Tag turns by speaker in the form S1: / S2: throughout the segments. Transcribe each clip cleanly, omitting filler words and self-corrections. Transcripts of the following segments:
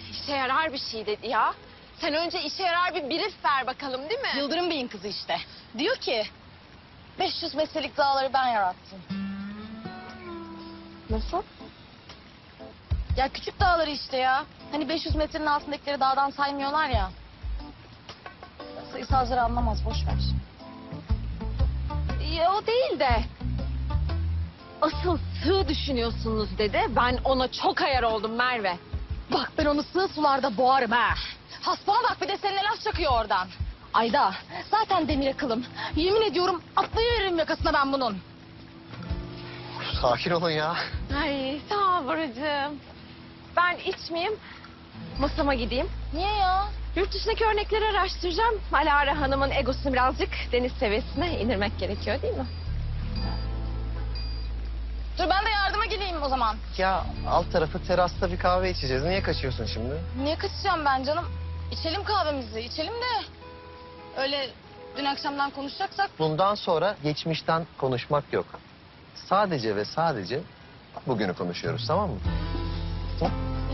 S1: İşe yarar bir şey dedi ya. Sen önce işe yarar bir brief ver bakalım değil mi?
S2: Yıldırım Bey'in kızı işte. Diyor ki 500 metrelik dağları ben yarattım.
S1: Nasıl?
S2: Ya küçük dağları işte ya. Hani 500 metrenin altındakileri dağdan saymıyorlar ya. Sayısalcıları anlamaz, boş ver.
S1: Ya o değil de. Asıl sığ düşünüyorsunuz dedi. Ben ona çok ayar oldum Merve.
S2: Bak ben onu sığ sularda boğarım ha. Haspana bak bir de seninle laf çakıyor oradan. Ayda zaten demir akılım. Yemin ediyorum atlayıveririm yakasına ben bunun.
S3: Sakin olun ya.
S1: Ay sağ ol Buracığım. Ben içmeyeyim. Masama gideyim.
S2: Niye ya?
S1: Yurt dışındaki örnekleri araştıracağım. Alara Hanım'ın egosunu birazcık deniz seviyesine indirmek gerekiyor değil mi?
S2: Dur ben de yardıma geleyim o zaman.
S3: Ya alt tarafı terasta bir kahve içeceğiz. Niye kaçıyorsun şimdi?
S2: Niye kaçacağım ben canım? İçelim kahvemizi, içelim de. Öyle dün akşamdan konuşacaksak.
S3: Bundan sonra geçmişten konuşmak yok. Sadece ve sadece bugünü konuşuyoruz, tamam mı? Tamam.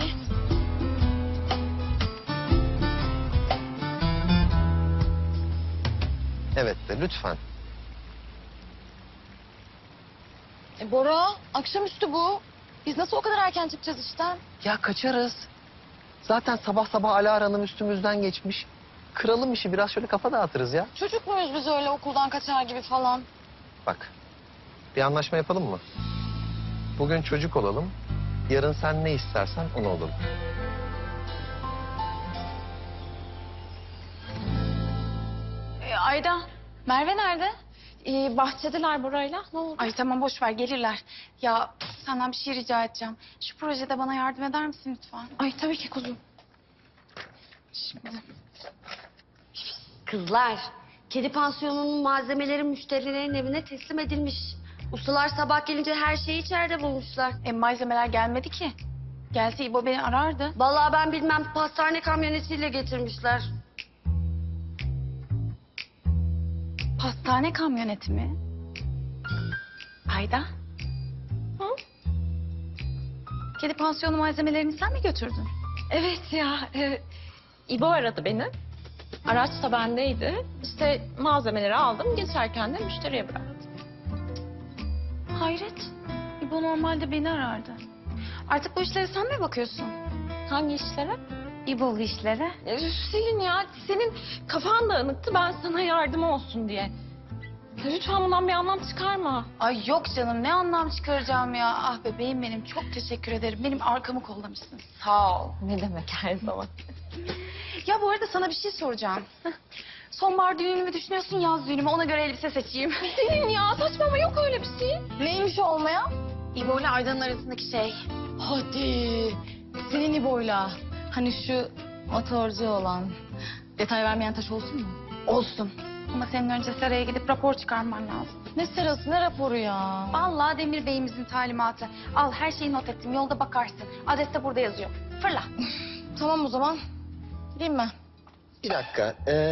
S3: Evet de lütfen.
S2: Bora, akşamüstü bu. Biz nasıl o kadar erken çıkacağız işten?
S3: Ya kaçarız. Zaten sabah sabah Alara Hanım üstümüzden geçmiş. Kıralım işi, biraz şöyle kafa dağıtırız ya.
S2: Çocuk muyuz biz öyle okuldan kaçar gibi falan?
S3: Bak, bir anlaşma yapalım mı? Bugün çocuk olalım, yarın sen ne istersen onu olalım.
S2: Ayda, Merve nerede?
S1: Bahçedeler burayla. Ne oldu?
S2: Ay tamam boş ver gelirler. Ya senden bir şey rica edeceğim. Şu projede bana yardım eder misin lütfen?
S1: Ay tabii ki kuzum.
S2: Şimdi.
S4: Kızlar, kedi pansiyonunun malzemeleri müşterilerin evine teslim edilmiş. Ustalar sabah gelince her şeyi içeride bulmuşlar.
S2: Malzemeler gelmedi ki. Gelse İbo beni arardı.
S4: Vallahi ben bilmem, pastane kamyonetiyle getirmişler.
S2: Pastane kamyoneti mi? Ayda.
S1: Hı?
S2: Kedi pansiyonu malzemelerini sen mi götürdün?
S1: Evet ya. İbo aradı beni. Araç da bendeydi. İşte malzemeleri aldım. Geçerken de müşteriye bıraktım.
S2: Hayret. İbo normalde beni arardı. Artık bu işlere sen mi bakıyorsun?
S1: Hangi işlere?
S2: İbo'lu işlere.
S1: Selin ya senin kafan dağınıktı. Ben sana yardım olsun diye. Ya lütfen bundan bir anlam çıkarma.
S2: Ay yok canım ne anlam çıkaracağım ya. Ah bebeğim benim çok teşekkür ederim. Benim arkamı kollamışsın. Sağ ol.
S1: Ne demek her zaman.
S2: Ya bu arada sana bir şey soracağım. Sonbahar düğünümü mü düşünüyorsun yaz düğünümü ona göre elbise seçeyim.
S1: Selin ya saçmalama yok öyle bir şey.
S2: Neymiş o olmaya? İbo ile Aydan'ın arasındaki şey. Hadi. Senin İbo'yla. Hani şu motorcu olan. Detay vermeyen taş olsun mu? Olsun. Ama senin önce seraya gidip rapor çıkarman lazım. Ne serası ne raporu ya? Vallahi Demir Bey'imizin talimatı. Al her şeyi not ettim yolda bakarsın. Adres de burada yazıyor. Fırla. Tamam o zaman. Gideyim mi?
S3: Bir dakika,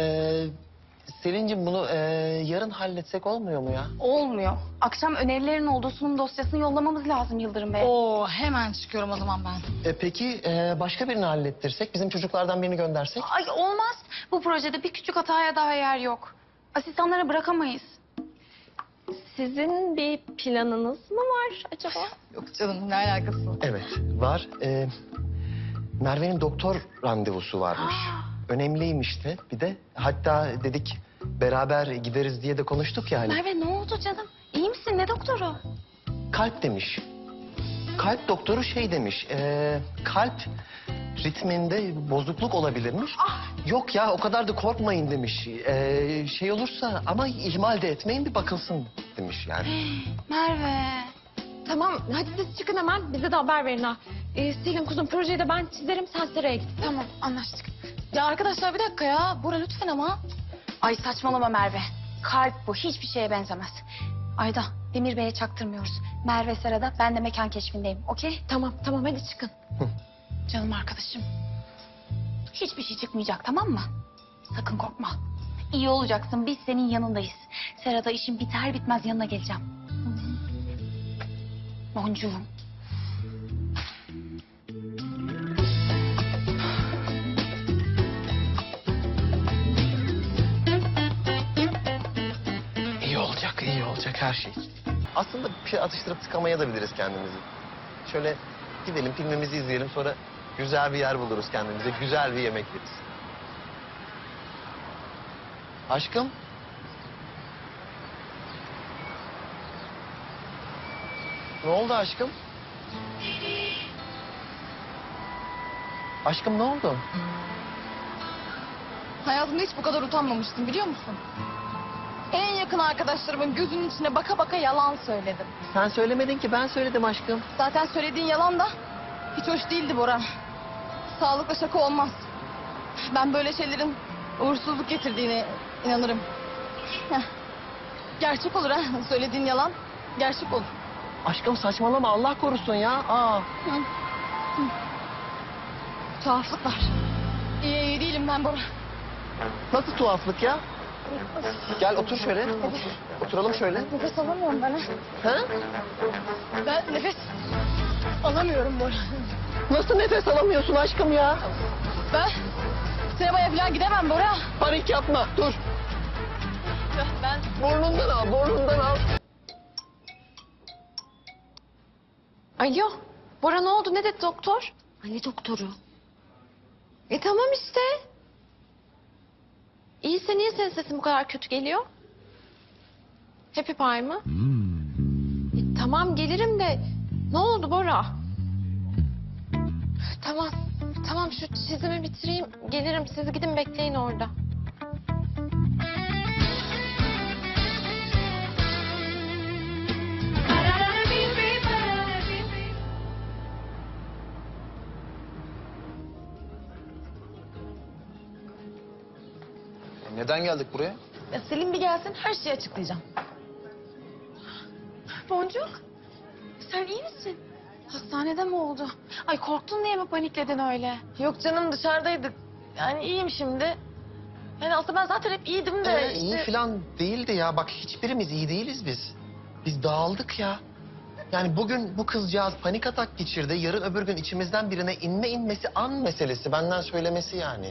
S3: Selin'cim bunu yarın halletsek olmuyor mu ya?
S2: Olmuyor. Akşam önerilerin olduğu sunum dosyasını yollamamız lazım Yıldırım Bey. Oo hemen çıkıyorum o zaman ben.
S3: Peki başka birini hallettirsek, bizim çocuklardan birini göndersek?
S2: Ay olmaz. Bu projede bir küçük hataya daha yer yok. Asistanlara bırakamayız.
S1: Sizin bir planınız mı var acaba?
S2: Yok canım ne alakası var?
S3: Evet, var. Merve'nin doktor randevusu varmış. Önemliymiş de bir de. Hatta dedik beraber gideriz diye de konuştuk ya hani.
S2: Merve ne oldu canım? İyi misin? Ne doktoru?
S3: Kalp demiş. Kalp doktoru şey demiş. Kalp ritminde bozukluk olabilirmiş. Yok ya o kadar da korkmayın demiş. Şey olursa ama ihmal de etmeyin bir bakılsın demiş yani.
S2: Merve.
S1: Tamam hadi siz çıkın hemen bize de haber verin ha. Selin kuzum projeyi de ben çizerim sen seraya git.
S2: Tamam anlaştık. Ya arkadaşlar bir dakika ya. Bora lütfen ama. Ay saçmalama Merve. Kalp bu. Hiçbir şeye benzemez. Ayda Demir Bey'e çaktırmıyoruz. Merve Sera'da ben de mekan keşfindeyim. Okey?
S1: Tamam hadi çıkın.
S2: Canım arkadaşım. Hiçbir şey çıkmayacak tamam mı? Sakın korkma. İyi olacaksın. Biz senin yanındayız. Sera'da işin biter bitmez yanına geleceğim. Boncuğum.
S3: olacak her şey. Aslında bir şey atıştırıp tıkamaya da biliriz kendimizi. Şöyle gidelim filmimizi izleyelim, sonra güzel bir yer buluruz kendimize, güzel bir yemek yeriz. Aşkım? Ne oldu aşkım? Aşkım ne oldu?
S2: Hayatımda hiç bu kadar utanmamıştım biliyor musun? En yakın arkadaşlarımın gözünün içine baka baka yalan söyledim.
S3: Sen söylemedin ki, ben söyledim aşkım.
S2: Zaten söylediğin yalan da hiç hoş değildi Bora. Sağlıkla şaka olmaz. Ben böyle şeylerin uğursuzluk getirdiğine inanırım. Heh. Gerçek olur ha. Söylediğin yalan gerçek olur.
S3: Aşkım saçmalama, Allah korusun ya. Aa.
S2: Tuhaflık var. İyi değilim ben Bora.
S3: Nasıl tuhaflık ya? Gel otur şöyle. Oturalım şöyle.
S2: Nefes alamıyorum ben ha.
S3: Ha?
S2: Ben nefes alamıyorum Bora.
S3: Nasıl nefes alamıyorsun aşkım ya?
S2: Ben sinemaya falan gidemem Bora.
S3: Panik yapma, dur.
S2: Ben
S3: Burnundan al, burnundan al.
S1: Alo, Bora ne oldu? Ne dedi doktor?
S4: Anne doktoru.
S1: Tamam işte. İyiyse niye senin sesin bu kadar kötü geliyor? Happy Pie mı? Tamam gelirim de ne oldu Bora? Tamam, tamam şu çizimi bitireyim gelirim. Siz gidin bekleyin orada.
S5: Neden geldik buraya?
S2: Ya Selim bir gelsin her şeyi açıklayacağım. Boncuk, sen iyi misin? Hastanede mi oldu? Ay korktun diye mi panikledin öyle? Yok canım dışarıdaydık. Yani iyiyim şimdi. Yani aslında ben zaten hep iyiydim de işte...
S3: İyi falan değildi ya. Bak hiçbirimiz iyi değiliz biz. Biz dağıldık ya. Yani bugün bu kızcağız panik atak geçirdi. Yarın öbür gün içimizden birine inmesi an meselesi. Benden söylemesi yani.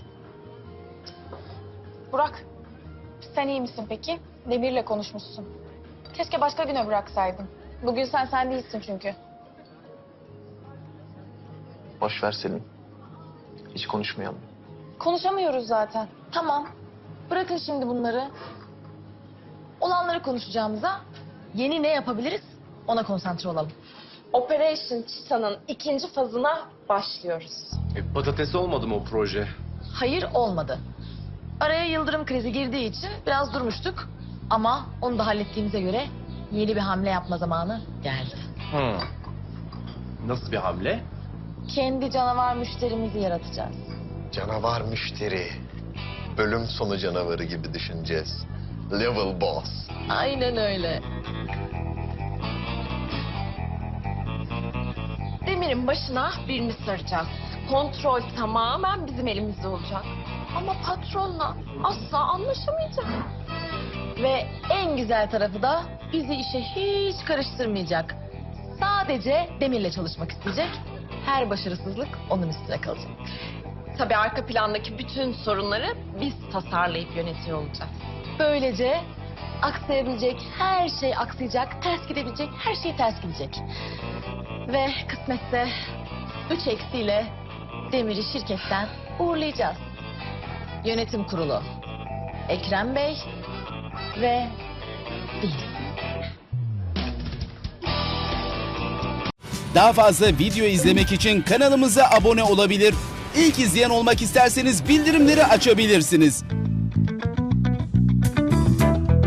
S2: Burak, sen iyi misin peki? Demir'le konuşmuşsun. Keşke başka güne bıraksaydın. Bugün sen değilsin çünkü.
S5: Boş ver Selin. Hiç konuşmayalım.
S2: Konuşamıyoruz zaten. Tamam. Bırakın şimdi bunları. Olanları konuşacağımıza yeni ne yapabiliriz ona konsantre olalım.
S1: Operation Cheetah'nın 2. fazına başlıyoruz.
S6: Patates olmadı mı o proje?
S2: Hayır olmadı. Araya yıldırım krizi girdiği için biraz durmuştuk. Ama onu da hallettiğimize göre yeni bir hamle yapma zamanı geldi.
S6: Nasıl bir hamle?
S2: Kendi canavar müşterimizi yaratacağız.
S3: Canavar müşteri. Bölüm sonu canavarı gibi düşüneceğiz. Level boss.
S2: Aynen öyle.
S1: Demir'in başına birini saracağız. Kontrol tamamen bizim elimizde olacak. Ama patronla asla anlaşamayacak.
S2: Ve en güzel tarafı da bizi işe hiç karıştırmayacak. Sadece Demir'le çalışmak isteyecek. Her başarısızlık onun üstüne kalacak.
S1: Tabii arka plandaki bütün sorunları biz tasarlayıp yönetiyor olacağız.
S2: Böylece aksayabilecek her şey aksayacak, ters gidebilecek her şey ters gidecek. Ve kısmetse 3 eksiyle Demir'i şirketten uğurlayacağız. Yönetim kurulu, Ekrem Bey ve biz.
S7: Daha fazla video izlemek için kanalımıza abone olabilir. İlk izleyen olmak isterseniz bildirimleri açabilirsiniz.